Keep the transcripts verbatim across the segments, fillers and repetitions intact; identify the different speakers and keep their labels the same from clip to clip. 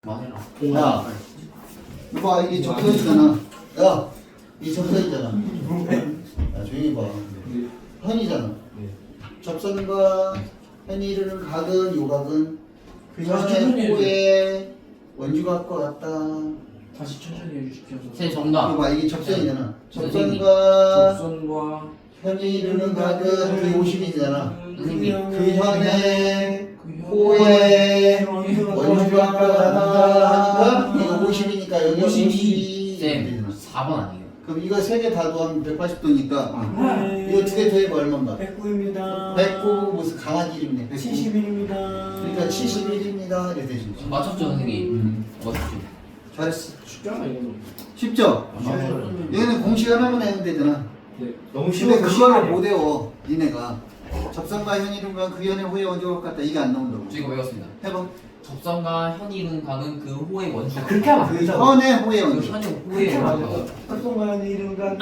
Speaker 1: 야, 이봐, 이게 적혀 있잖아. 야, 이 적혀 있잖아. 야, 조용히 봐. 현이잖아. 접선과 현이 이르는 각은 요각은 그 현의 호의 원주각과 같다.
Speaker 2: 다시 천천히 해주십시오.
Speaker 3: 제 정답.
Speaker 1: 이거 봐, 이게 접선이잖아.
Speaker 3: 선생님.
Speaker 1: 접선과
Speaker 2: 접선과
Speaker 1: 현이 이르는 각은 그 오십이잖아.
Speaker 3: 선생님.
Speaker 1: 그 현의
Speaker 2: 그
Speaker 1: 호의 원주각과 같다 하니까 이거 오십이니까 여기 오십이
Speaker 3: 쌤, 사 번 아니에요?
Speaker 1: 그럼 이거 세 개 다 더하면 백팔십 도니까 이거 두 개 더해봐 얼마인가?
Speaker 4: 백구입니다.
Speaker 1: 백구 무슨 강한 이름이네. 백구.
Speaker 4: 칠십일입니다.
Speaker 1: 그러니까 칠십일입니다. 이렇게 되지.
Speaker 3: 맞췄죠, 선생님?
Speaker 1: 음.
Speaker 3: 맞췄죠.
Speaker 1: 잘했어.
Speaker 2: 쉽잖아 이거는.
Speaker 1: 쉽죠?
Speaker 2: 맞아요.
Speaker 1: 얘는 공식 하나만 내면 되잖아.
Speaker 2: 네.
Speaker 4: 너무
Speaker 1: 근데
Speaker 4: 쉬워서
Speaker 1: 그거를
Speaker 4: 시간이
Speaker 1: 못 외워. 니네가 접선과 현이름과 그 현의 호의 원조각 같다. 이게 안 나온다고.
Speaker 3: 저 이거 외웠습니다.
Speaker 1: 해봐.
Speaker 3: 접선과 현이 이룬 각은 그 호의 원주.
Speaker 4: 아, 그렇게 하면 안
Speaker 1: 그
Speaker 4: 되잖아.
Speaker 1: 현의 호의
Speaker 3: 그
Speaker 1: 원조.
Speaker 3: 현의
Speaker 4: 그렇게
Speaker 3: 호의
Speaker 4: 하면 안
Speaker 3: 원주.
Speaker 4: 되잖아. 합동관 이름과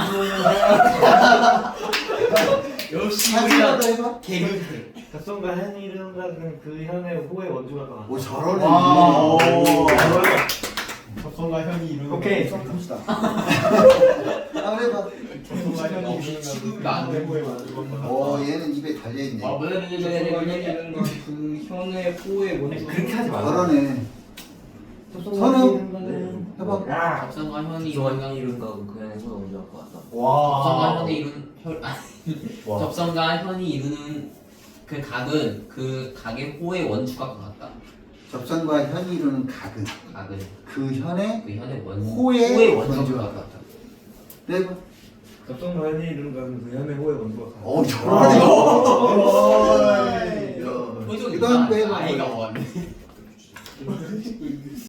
Speaker 2: 역시
Speaker 1: 사진마다 해봐.
Speaker 2: 개그들.
Speaker 4: 합동관 한 이름과 그 현의 호의 원주가 나.
Speaker 1: 오 잘하네.
Speaker 2: 와.
Speaker 1: 오.
Speaker 5: 접선과 현이 이루는
Speaker 4: 오케이.
Speaker 1: 봅시다. 한번 해봐.
Speaker 5: 접선과 현이 이루는
Speaker 3: 취급이 안 돼.
Speaker 5: 호의 원주각과
Speaker 1: 오 얘는 입에 달려있네.
Speaker 2: 아,
Speaker 3: 이런 그 현의 호의 원주.
Speaker 4: 그렇게 하지 마.
Speaker 1: 잘하네.
Speaker 4: 선우.
Speaker 1: 해봐.
Speaker 4: 야.
Speaker 3: 접선과 현이 이룬 각.
Speaker 6: 이룬 거 그냥 해서 먼저 할것 같다.
Speaker 3: 접선과
Speaker 5: 와.
Speaker 3: 현이 이룬 혈. 아, 접선과 현이 이루는 그 각은 그 각의 호의 원주각과 같다.
Speaker 1: 접선과 현이 이루는 각은
Speaker 3: 각은
Speaker 1: 그 현의
Speaker 3: 그 현의 원
Speaker 1: 호의
Speaker 3: 호의
Speaker 1: 원주각과
Speaker 3: 원주각과 같다.
Speaker 1: 네 봐.
Speaker 4: 합동관 한 이름과 그 현의 호의 원주가 나.
Speaker 1: 오 잘하네.
Speaker 3: 표정이
Speaker 1: 그다음 거 해봐.
Speaker 3: 아이가 원.